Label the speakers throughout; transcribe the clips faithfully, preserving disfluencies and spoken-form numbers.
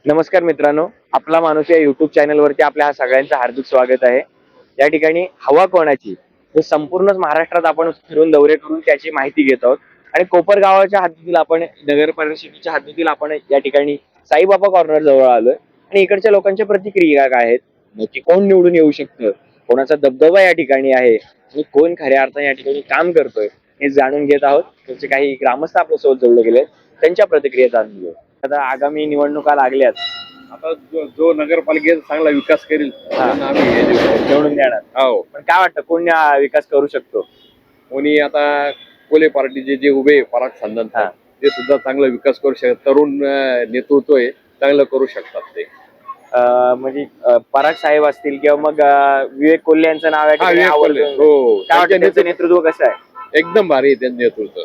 Speaker 1: नमस्कार मित्रांनो, आपला माणूस या युट्यूब चॅनलवरती आपल्या सगळ्यांचं हार्दिक स्वागत आहे। या ठिकाणी हवा कोणाची हे संपूर्ण महाराष्ट्रात आपण फिरून दौरे करून त्याची माहिती घेत आहोत आणि कोपर गावाच्या हद्दीतील आपण नगर परिषदेच्या हद्दीतील आपण या ठिकाणी साईबाबा कॉर्नर जवळ आलोय आणि इकडच्या लोकांच्या प्रतिक्रिया काय आहेत, नक्की कोण निवडून येऊ शकतं, कोणाचा दबदबा या ठिकाणी आहे आणि कोण खऱ्या अर्थाने या ठिकाणी काम करतोय हे जाणून घेत आहोत। तुमचे काही ग्रामस्थ आपल्यासोबत जोडले गेले, त्यांच्या प्रतिक्रिया जाणून घेऊ। आता आगामी निवडणुका लागल्यात,
Speaker 2: आता जो, जो नगरपालिकेचा चांगला विकास करेल त्यांना आम्ही हे देऊ.
Speaker 1: निवडून देणार।
Speaker 2: हो,
Speaker 1: पण काय वाटतं कोण या विकास करू शकतो?
Speaker 2: कोणी आता कोले पार्टीचे जे उभे पराग संदन
Speaker 1: हा.
Speaker 2: ते सुद्धा चांगला विकास करू शकतात। तरुण अं, नेतृत्व आहे, चांगलं करू शकतात ते।
Speaker 1: अं, म्हणजे अं, पराग साहेब असतील किंवा मग अं, विवेक कोल्हे यांचं नाव आहे,
Speaker 2: हा, विवेक कोल्हे. हो,
Speaker 1: काय वाटतं
Speaker 2: त्यांच्या
Speaker 1: त्यांचं नेतृत्व कसं आहे?
Speaker 2: एकदम भारी आहे त्यांचं नेतृत्व।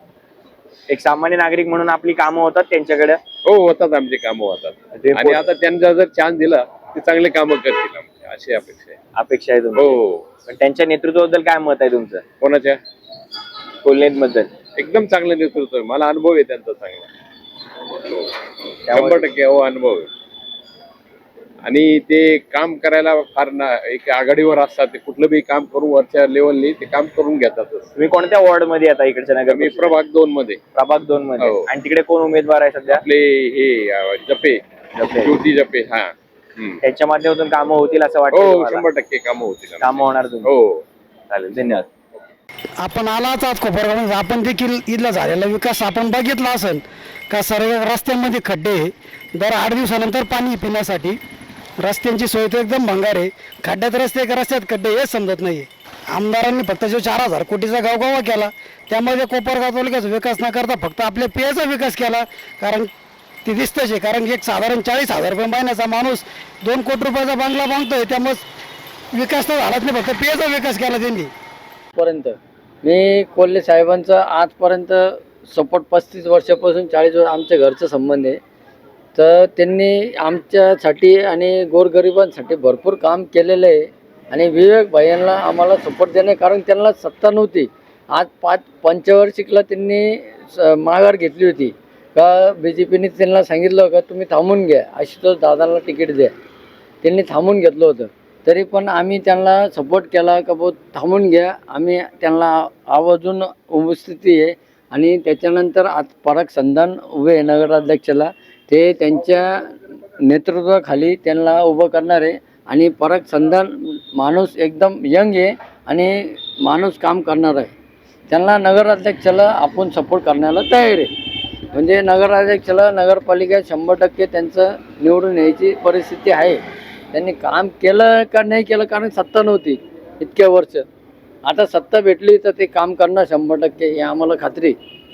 Speaker 1: एक सामान्य नागरिक म्हणून आपली कामं होतात त्यांच्याकडे?
Speaker 2: हो, होतात, आमची कामं होतात
Speaker 1: ते
Speaker 2: आणि आता त्यांना जर चान्स दिला ते चांगले कामं करतील आमची, अशी अपेक्षा आहे।
Speaker 1: अपेक्षा आहे तुमची?
Speaker 2: हो।
Speaker 1: पण त्यांच्या नेतृत्वाबद्दल काय मत आहे तुमचं?
Speaker 2: कोणाच्या?
Speaker 1: कोल्हेंबद्दल?
Speaker 2: एकदम चांगलं नेतृत्व आहे, मला अनुभव आहे त्यांचा चांगला, शंभर टक्के हो अनुभव आहे। आणि ते काम करायला फार ना एक आघाडीवर असतात, ते कुठलं बी काम करून वरच्या लेवलनी ते काम करून घेतातच।
Speaker 1: तुम्ही कोणत्या वॉर्ड मध्ये आता इकडच्या नगर?
Speaker 2: मी प्रभाग दोन मध्ये।
Speaker 1: प्रभाग दोन मध्ये?
Speaker 2: हो।
Speaker 1: आणि तिकडे कोण उमेदवार आहे सध्या?
Speaker 2: आपले हे अं, जपे
Speaker 1: जपे.
Speaker 2: ज्योती जपे। हा, हम्म.
Speaker 1: त्यांच्या माध्यमातून कामं होतील असं वाटतं
Speaker 2: हो,
Speaker 1: तुम्हाला?
Speaker 2: शंभर टक्के कामं होतील आमची.
Speaker 1: कामं होणार तुमची?
Speaker 2: हो,
Speaker 1: चालेल, धन्यवाद।
Speaker 3: आपण आलाच आहात कोपरगाव, आपण देखील इथला झालेला विकास आपण बघितला असेल का? सर्व रस्त्यांमध्ये खड्डे, दर आठ दिवसानंतर पाणी पिण्यासाठी रस्त्यांची सोय तर एकदम भंगार आहे। खड्ड्यात रस्ते का रस्त्यात खड्डे हेच समजत नाही। आमदारांनी फक्त जो चार हजार कोटीचा गावगावा केला त्यामध्ये कोपरगाव तालुक्याचा विकास न करता फक्त आपल्या पेयाचा विकास केला, कारण ते दिसतंच आहे। कारण एक साधारण चाळीस हजार रुपये महिन्याचा माणूस दोन कोटी रुपयाचा बंगला बांधतोय, त्यामुळे विकास तर झालाच नाही, फक्त पेयाचा विकास केला त्यांनी।
Speaker 4: पर्यंत मी कोल्हे साहेबांचं आजपर्यंत सपोर्ट पस्तीस वर्षापासून चाळीस वर्ष आमच्या घरचं संबंध आहे। तर त्यांनी आमच्यासाठी आणि गोरगरिबांसाठी भरपूर काम केलेलं आहे आणि विवेक भाईंना आम्हाला सपोर्ट देणे, कारण त्यांना सत्ता नव्हती। आज पाच पंचवार्षिकला त्यांनी स माघार घेतली होती का बी जे पीने त्यांना सांगितलं का तुम्ही थांबून घ्या, आशुतोष दादांना तिकीट द्या, त्यांनी थांबून घेतलं होतं। तरी पण आम्ही त्यांना सपोर्ट केला का भाऊ थांबून घ्या, आम्ही त्यांना आवर्जून उपस्थिती आहे। आणि त्याच्यानंतर आज पराग संधान उभे आहे नगराध्यक्षाला, ते त्यांच्या नेतृत्वाखाली त्यांना उभं करणार आहे। आणि पराग संधान माणूस एकदम यंग आहे आणि माणूस काम करणार आहे, त्यांना नगराध्यक्षाला आपण सपोर्ट करण्याला तयार आहे। म्हणजे नगराध्यक्षाला नगरपालिकेत शंभर टक्के त्यांचं निवडून यायची परिस्थिती आहे। त्यांनी काम केलं का नाही केलं, कारण सत्ता नव्हती इतक्या वर्ष, आता सत्ता भेटली तर ते काम करणार शंभर टक्के, हे आम्हाला खात्री।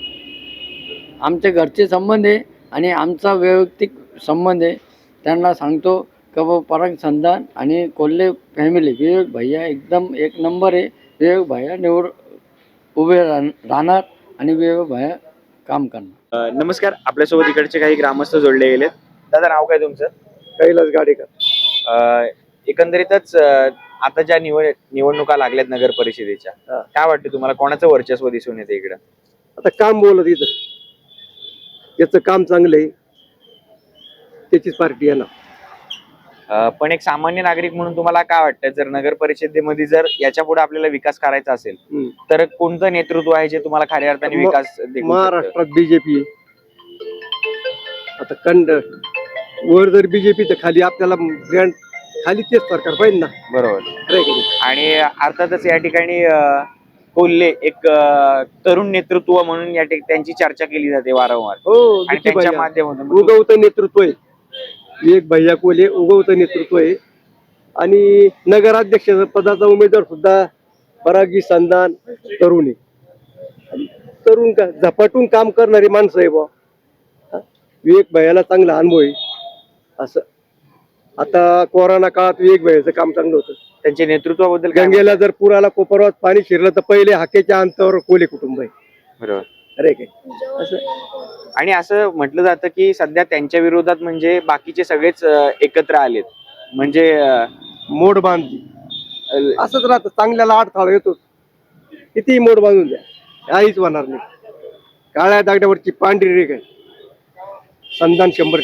Speaker 4: आमच्या घरचे संबंध आहे आणि आमचा वैयक्तिक संबंध आहे। त्यांना सांगतो का बाबा पराग संधान आणि कोल्हे फॅमिली, विवेक भैया एकदम एक नंबर आहे। विवेक भैया निवड उभे राहणार आणि विवेक भैया काम करणार।
Speaker 1: अं, नमस्कार, आपल्यासोबत इकडचे काही ग्रामस्थ जोडले गेलेत। दादा, नाव काय तुमचं?
Speaker 5: कैलास गाडेकर।
Speaker 1: अं, एकंदरीतच अं, आता ज्या निवड निवडणुका लागल्यात नगर परिषदेच्या,
Speaker 5: हा.
Speaker 1: काय वाटतं तुम्हाला कोणाचं वर्चस्व दिसून येते इकडं?
Speaker 5: आता काम बोलत इथं, याचं काम चांगलं आहे, त्याचीच पार्टी आहे ना।
Speaker 1: अं, पण एक सामान्य नागरिक म्हणून तुम्हाला काय वाटतं, जर नगर परिषदेमध्ये जर याच्या पुढे आपल्याला विकास करायचा असेल
Speaker 5: हम्म.
Speaker 1: तर कोणतं नेतृत्व आहे जे तुम्हाला खऱ्या अर्थाने
Speaker 5: म-
Speaker 1: विकास देखू शकतं?
Speaker 5: महाराष्ट्रात बीजेपी, आता कंड वर जर बीजेपी तर खाली आपल्याला ग्रँड खाली तेच सरकार पाहिजे ना,
Speaker 1: बरोबर।
Speaker 5: खरं आहे की नाही?
Speaker 1: आणि अर्थातच या ठिकाणी अं, कोल्हे एक अं, तरुण नेतृत्व म्हणून या ठिक- त्यांची चर्चा केली जाते वारंवार
Speaker 5: हो,
Speaker 1: आणि
Speaker 5: विकी
Speaker 1: त्यांच्या
Speaker 5: भैया
Speaker 1: माध्यमातून
Speaker 5: उगवतं नेतृत्व आहे, विवेक भैया कोल्हे उगवतं नेतृत्व आहे। आणि नगराध्यक्ष पदाचा उमेदवार सुद्धा परागी संधान तरुण आहे, तरुण का झपाटून काम करणारी माणसं आहे बा। विवेक भैयाला चांगला अनुभव आहे असं। आता कोरोना काळात विवेक भैयाचं काम चांगलं होतं।
Speaker 1: त्यांच्या नेतृत्वाबद्दल काय
Speaker 5: गंगेला जर पुराला कोपरवात पाणी शिरलं तर पहिले हाकेच्या अंतावर कोले कुटुंब आहे,
Speaker 1: म्हणणं? बरोबर।
Speaker 5: अरे काय असं।
Speaker 1: आणि असं म्हटलं जातं की सध्या त्यांच्या विरोधात म्हणजे बाकीचे सगळेच अं, एकत्र आलेत, म्हणजे अं,
Speaker 5: मोड बांधली असंच राहतं, चांगल्याला अडथळा येतो, कितीही मोड बांधून द्या काहीच होणार नाही। काळ्या दागड्यावरची पांढरी रेख आहे, संधान शंभर टक्के।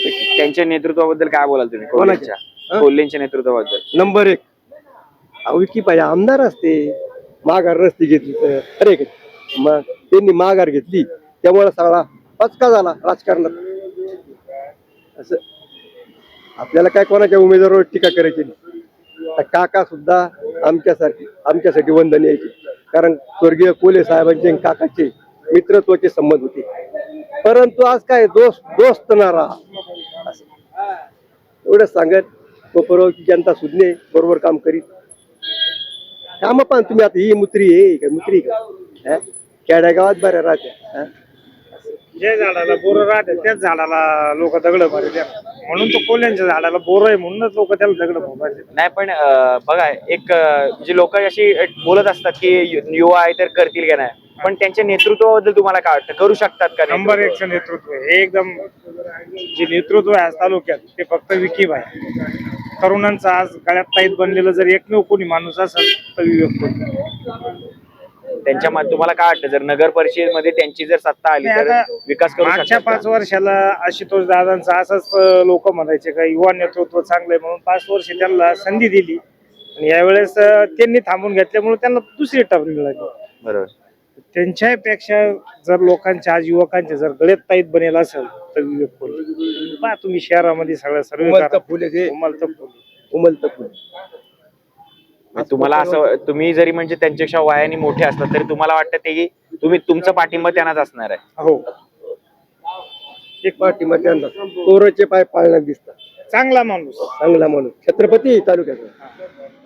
Speaker 1: कोल्हेंच्या नेतृत्वाबद्दल काय बोलाल तुम्ही?
Speaker 5: कोणाच्या?
Speaker 1: कोल्हेंच्या
Speaker 5: हा?
Speaker 1: कोल्हेंच्या नेतृत्वाबद्दल.
Speaker 5: नंबर एक. अहो विकी पाहिजे आमदार असते, माघार रस्ते घेतली तर अरे काय? मग त्यांनी माघार घेतली त्यामुळे सगळा पचका झाला राजकारणात. असं आपल्याला काय कोणाच्या उमेदवारावर टीका करायची नाही. आता काका सुद्धा आमच्यासाठी आमच्यासाठी वंदन यायचे, कारण स्वर्गीय कोल्हे साहेबांचे आणि काकाचे मित्रत्वाचे संबंध होते. परंतु आज काय दोस्त दोस्त ना राहा असं एवढं सांगत कोपरगावची जनता सुज्ञे बरोबर काम करीत. काम पण तुम्ही आता ही मुत्री आहे का मुत्री का हा? खेड्या गावात बऱ्या राहत्या हा?
Speaker 6: ज्या झाडाला बोरं राहते त्याच झाडाला लोक दगड मारले, म्हणून तो कोल्ह्यांच्या झाडाला बोरं आहे म्हणूनच लोक त्याला दगड मारले.
Speaker 1: नाही पण अं, बघा एक अं, म्हणजे लोक अशी बोलत असतात की यु- युवा आहे तर करतील का नाही, पण त्यांच्या नेतृत्वाबद्दल तुम्हाला काय वाटतं? करू शकतात का
Speaker 6: नंबर
Speaker 1: नेतृत्व?
Speaker 6: एकचं नेतृत्व आहे. हे एकदम जे नेतृत्व आहे आज तालुक्यात ते फक्त विकीब आहे. तरुणांचं आज गळ्यात ताईत बनलेलं जर एकमेव कोणी माणूस असेल तर विवेक कोल्हे.
Speaker 1: त्यांच्या मा- तुम्हाला काय वाटतं जर नगर परिषदेमध्ये त्यांची जर सत्ता आली
Speaker 6: नाही,
Speaker 1: तर
Speaker 6: आता
Speaker 1: विकास करू
Speaker 6: मागच्या
Speaker 1: शकतात
Speaker 6: पाच
Speaker 1: का?
Speaker 6: वर्षाला आशुतोष दादांचं असंच लोक म्हणायचे का युवा नेतृत्व चांगलंय म्हणून पाच वर्ष त्यांना संधी दिली आणि यावेळेस अं, त्यांनी थांबून घेतल्यामुळे त्यांना दुसरी टर्म मिळाली.
Speaker 1: बरोबर.
Speaker 6: त्यांच्यापेक्षा जर लोकांच्या आज युवकांच्या जर गळ्यात ताईत बनेल असेल तर विवेक कोल्हे. पहा तुम्ही शहरामध्ये सगळ्या सर्व
Speaker 5: उमलतं फुले ते. उमलतं फुले.
Speaker 1: म्हणजे तुम्हाला असं तुम्ही जरी म्हणजे त्यांच्यापेक्षा वयाने मोठे असतात तरी तुम्हाला वाटतं ते की तुम्ही तुमचा पाठिंबा त्यांनाच असणार आहे?
Speaker 6: हो
Speaker 5: एक पाठीमध्ये त्यांना कोरोचे पाय पाळण्यात दिसतात.
Speaker 6: चांगला माणूस.
Speaker 5: चांगला म्हणून छत्रपती तालुक्यात